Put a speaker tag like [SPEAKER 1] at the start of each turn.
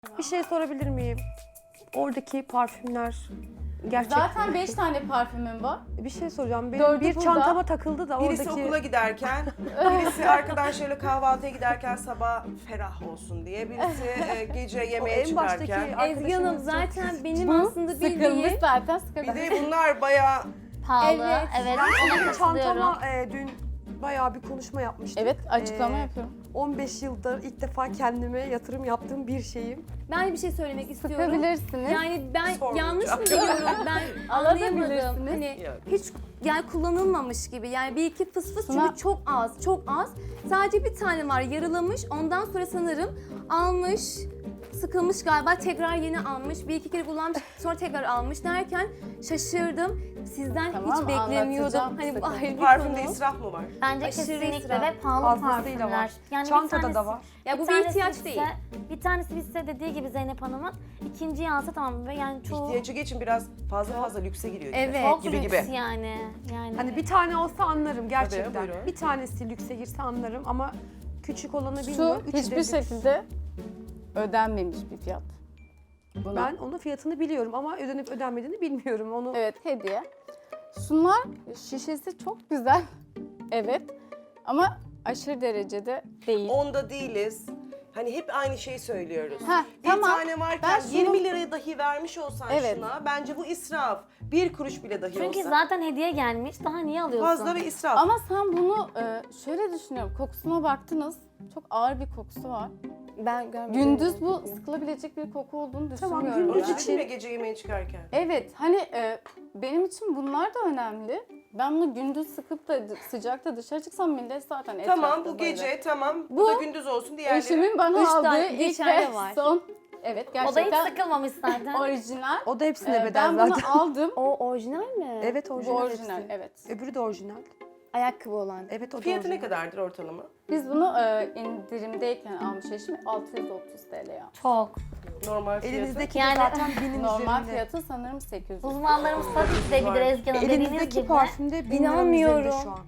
[SPEAKER 1] Bir şey sorabilir miyim? Oradaki parfümler gerçek
[SPEAKER 2] Zaten
[SPEAKER 1] mi?
[SPEAKER 2] 5 tane parfümüm var.
[SPEAKER 1] Bir şey soracağım. Benim
[SPEAKER 2] Dördü
[SPEAKER 1] bir
[SPEAKER 2] burada.
[SPEAKER 1] çantama takıldı da
[SPEAKER 3] Birisi
[SPEAKER 1] oradaki...
[SPEAKER 3] okula giderken, birisi arkadaşlarıyla kahvaltıya giderken sabah ferah olsun diye, birisi gece yemeğe
[SPEAKER 1] en baştaki
[SPEAKER 3] çıkarken.
[SPEAKER 1] arkadaşımız
[SPEAKER 4] Ezgi Hanım
[SPEAKER 1] çok-
[SPEAKER 4] zaten benim
[SPEAKER 2] Bu
[SPEAKER 4] aslında
[SPEAKER 2] sıkılmış
[SPEAKER 4] bildiğim...
[SPEAKER 2] zaten
[SPEAKER 3] Bir
[SPEAKER 2] sıkılmış.
[SPEAKER 3] de bunlar bayağı
[SPEAKER 5] Pahalı.
[SPEAKER 4] Evet.
[SPEAKER 5] Evet,
[SPEAKER 1] Ben
[SPEAKER 5] ona
[SPEAKER 1] benim
[SPEAKER 5] katılıyorum.
[SPEAKER 1] çantama dün bayağı bir konuşma yapmıştım.
[SPEAKER 2] Evet, açıklama
[SPEAKER 1] Ee,
[SPEAKER 2] yapıyorum.
[SPEAKER 1] 15 yıldır ilk defa kendime yatırım yaptığım bir şeyim.
[SPEAKER 4] Ben bir şey söylemek istiyorum.
[SPEAKER 2] Sıkabilirsiniz.
[SPEAKER 4] Yani ben
[SPEAKER 3] Sormayacağım.
[SPEAKER 4] yanlış mı biliyorum? Ben anlayamadım.
[SPEAKER 2] Alabilirsiniz.
[SPEAKER 4] Hani
[SPEAKER 3] Yok.
[SPEAKER 4] hiç yani kullanılmamış gibi. Yani bir iki fıs fıs
[SPEAKER 2] Şuna-
[SPEAKER 4] çünkü çok az, çok az. Sadece bir tane var yarılamış. Ondan sonra sanırım almış, sıkılmış galiba tekrar yeni almış. Bir iki kere kullanmış sonra tekrar almış derken şaşırdım. Sizden
[SPEAKER 2] Tamam,
[SPEAKER 4] hiç beklemiyordum.
[SPEAKER 2] anlatacağım.
[SPEAKER 4] Hani bu ayrı bir
[SPEAKER 3] parfümde
[SPEAKER 4] konu.
[SPEAKER 3] israf mı var?
[SPEAKER 5] Bence
[SPEAKER 4] Aşırı
[SPEAKER 5] kesinlikle
[SPEAKER 4] israf.
[SPEAKER 5] ve pahalı
[SPEAKER 1] Fazlasıyla
[SPEAKER 5] parfümler.
[SPEAKER 1] var.
[SPEAKER 5] Yani
[SPEAKER 1] Çantada da var.
[SPEAKER 4] Ya bu bir
[SPEAKER 5] tanesi
[SPEAKER 4] ihtiyaç
[SPEAKER 5] bitse-
[SPEAKER 4] değil.
[SPEAKER 5] Bir tanesi bitse dediği gibi Zeynep Hanım'ın ikinciyi alsa tamam ve yani çoğu
[SPEAKER 3] İhtiyacı geçin biraz fazla lükse giriyor. gibi.
[SPEAKER 4] Evet.
[SPEAKER 5] çok
[SPEAKER 3] gibi
[SPEAKER 5] lüks
[SPEAKER 3] gibi.
[SPEAKER 5] yani. Yani
[SPEAKER 1] Hani bir tane olsa anlarım gerçekten.
[SPEAKER 3] Tabii, buyurun.
[SPEAKER 1] Bir tanesi lükse girse anlarım ama küçük olanı
[SPEAKER 2] Şu
[SPEAKER 1] bilmiyorum. Üçü de
[SPEAKER 2] hiçbir
[SPEAKER 1] lüks.
[SPEAKER 2] şekilde ödenmemiş bir fiyat. Buna.
[SPEAKER 1] Ben onun fiyatını biliyorum ama ödenip ödenmediğini bilmiyorum. Onu
[SPEAKER 2] Evet, hediye. Şunlar şişesi çok güzel. Evet. Ama aşırı derecede değil.
[SPEAKER 3] Onda değiliz. Hani hep aynı şeyi söylüyoruz.
[SPEAKER 2] Heh,
[SPEAKER 3] Bir
[SPEAKER 2] tamam.
[SPEAKER 3] tane varken
[SPEAKER 2] Ben şunu-
[SPEAKER 3] 20 liraya dahi vermiş olsan
[SPEAKER 2] Evet.
[SPEAKER 3] şuna, bence bu israf. Bir kuruş bile dahi
[SPEAKER 5] çünkü
[SPEAKER 3] olsa
[SPEAKER 5] zaten hediye gelmiş. Daha niye alıyorsun?
[SPEAKER 3] fazla ve israf.
[SPEAKER 2] Ama sen bunu şöyle düşünüyorum. Kokusuna baktınız. Çok ağır bir kokusu var.
[SPEAKER 4] Ben görmedim.
[SPEAKER 2] Gündüz bu sıkılabilecek bir koku olduğunu
[SPEAKER 1] Tamam,
[SPEAKER 2] düşünmüyorum.
[SPEAKER 1] gündüz
[SPEAKER 2] ben.
[SPEAKER 3] Onu dedim ya gece yemeğe çıkarken.
[SPEAKER 2] Evet, hani benim için bunlar da önemli. Ben bunu gündüz sıkıp da sıcakta dışarı çıksam millet zaten etrafta
[SPEAKER 3] Tamam bu
[SPEAKER 2] böyle.
[SPEAKER 3] gece tamam. Bu
[SPEAKER 2] Bu
[SPEAKER 3] da gündüz olsun diğerleri.
[SPEAKER 2] Eşimin bana
[SPEAKER 4] Üç
[SPEAKER 2] aldığı
[SPEAKER 4] tane
[SPEAKER 2] ilk
[SPEAKER 4] geçerli
[SPEAKER 2] ve
[SPEAKER 4] var.
[SPEAKER 2] son. Evet,
[SPEAKER 5] O da hiç
[SPEAKER 2] gerçekten
[SPEAKER 5] sıkılmamış zaten.
[SPEAKER 2] orijinal.
[SPEAKER 1] o da hepsine bedel
[SPEAKER 2] Ben bunu
[SPEAKER 1] zaten.
[SPEAKER 2] aldım.
[SPEAKER 4] O orijinal mi?
[SPEAKER 1] Evet
[SPEAKER 2] Bu
[SPEAKER 1] orijinal.
[SPEAKER 2] orijinal,
[SPEAKER 1] hepsi.
[SPEAKER 2] evet.
[SPEAKER 1] Öbürü de orijinal.
[SPEAKER 4] Ayakkabı olan.
[SPEAKER 1] Evet o da
[SPEAKER 3] Fiyatı ne
[SPEAKER 1] orijinal.
[SPEAKER 3] kadardır ortalama?
[SPEAKER 2] Biz bunu indirimdeyken almış eşim 630 TL ya.
[SPEAKER 5] Çok.
[SPEAKER 3] Normal fiyatı.
[SPEAKER 1] Elinizdeki
[SPEAKER 5] Yani-
[SPEAKER 1] de zaten binin
[SPEAKER 2] Normal
[SPEAKER 1] üzerinde.
[SPEAKER 2] fiyatı sanırım 800.
[SPEAKER 5] Uzmanlarımız tabii ki de bilir Ezgi Hanım dediğiniz
[SPEAKER 1] Elinizdeki
[SPEAKER 5] gibi.
[SPEAKER 1] parfümde 1000 liranın üzerinde
[SPEAKER 4] İnanmıyorum.
[SPEAKER 1] şu an.